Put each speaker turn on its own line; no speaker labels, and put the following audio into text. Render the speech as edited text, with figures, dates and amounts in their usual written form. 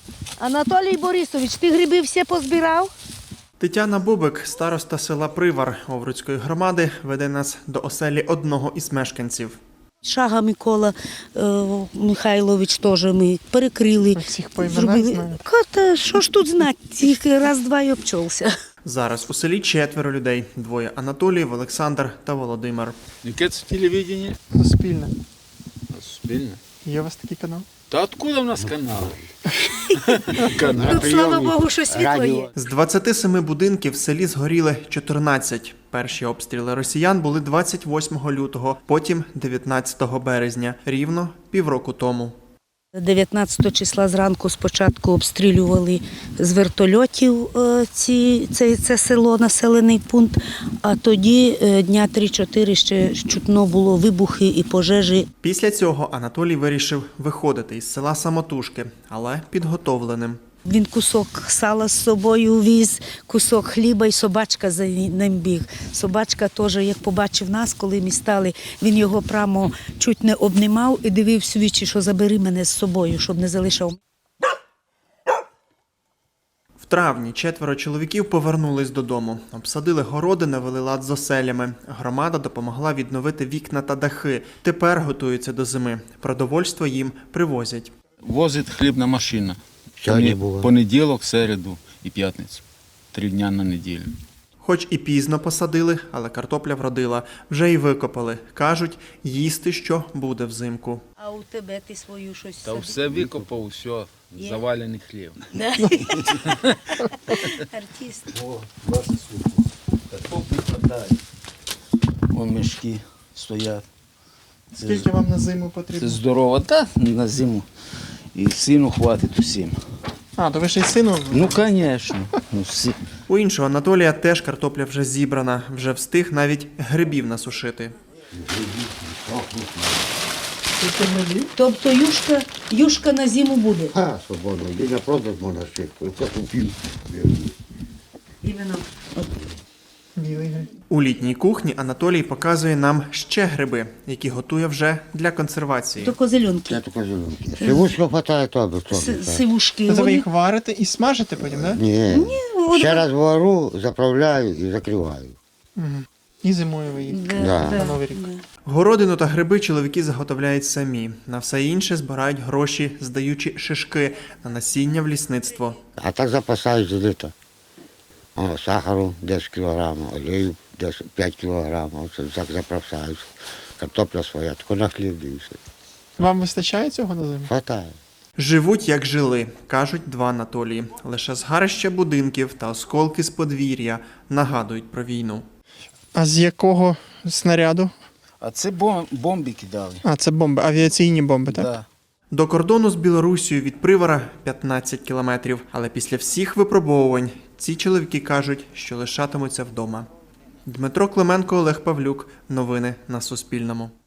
Анатолій Борисович, ти гриби всі позбирав?
Тетяна Бубик, староста села Привар Овруцької громади, веде нас до оселі одного із мешканців.
Шага Микола Михайлович теж ми перекрили.
Всіх по іменах знають?
Та що ж тут знати, тільки раз-два й обчовся.
Зараз у селі 4 людей. 2 – Анатолій, Олександр та Володимир.
Яке це телевидение?
Суспільне.
Суспільне.
Є у вас такий канал?
Та откуда в нас канал?
Тут, слава Богу, що світло є.
З 27 будинків в селі згоріли 14. Перші обстріли росіян були 28 лютого, потім 19 березня, рівно півроку тому.
19 числа зранку спочатку обстрілювали з вертольотів це село, населений пункт, а тоді дня 3-4 ще чутно було вибухи і пожежі.
Після цього Анатолій вирішив виходити із села самотужки, але підготовленим.
Він кусок сала з собою віз, кусок хліба і собачка за ним біг. Собачка теж, як побачив нас, коли ми стали, він його прямо чуть не обнімав і дивився в вічі, що забери мене з собою, щоб не залишав.
В травні 4 чоловіків повернулись додому. Обсадили городи, навели лад з оселями. Громада допомогла відновити вікна та дахи. Тепер готуються до зими. Продовольство їм привозять.
Возить хлібна машина.
Сьогодні було.
Понеділок, середу і п'ятницю. 3 дня на неділю.
Хоч і пізно посадили, але картопля вродила. Вже й викопали. Кажуть, їсти що буде взимку.
А у тебе ти свою щось
Та все викопав, все, завалений хліб.
Артист.
Вон мішки стоять.
Скільки вам на зиму
Це
потрібно?
здорово, та на зиму. І сину хватить усім.
А, то ви ще й сину?
Ну, звісно. Ну,
У іншого Анатолія теж картопля вже зібрана. Вже встиг навіть грибів насушити.
Тобто юшка на зиму буде?
А, свободно. І на продаж можна ще. Це купив.
Іменно.
У літній кухні Анатолій показує нам ще гриби, які готує вже для консервації.
То козельонки.
Я тільки зеленки. Сивушка хватає тобі.
Сивушки.
Ви їх варите і смажите потім, так?
Ні. Ще раз вару, заправляю і закриваю.
І зимою ви їх.
Да.
На Новий рік. Городину та гриби чоловіки заготовляють самі. На все інше збирають гроші, здаючи шишки на насіння в лісництво.
А так запасаю з літа. О, сахару 10 кілограмів, олію 5 кілограмів. Оце так заправляю. Картопля своя, тільки на хліб дивишся.
Вам вистачає цього на зиму?
Хватає.
Живуть, як жили, кажуть 2 Анатолії. Лише згарища будинків та осколки з подвір'я нагадують про війну.
А з якого снаряду?
А це бомби кидали.
А, це бомби, авіаційні бомби, так?
Да.
До кордону з Білорусією від Привара 15 кілометрів. Але після всіх випробовувань ці чоловіки кажуть, що лишатимуться вдома. Дмитро Клименко, Олег Павлюк. Новини на Суспільному.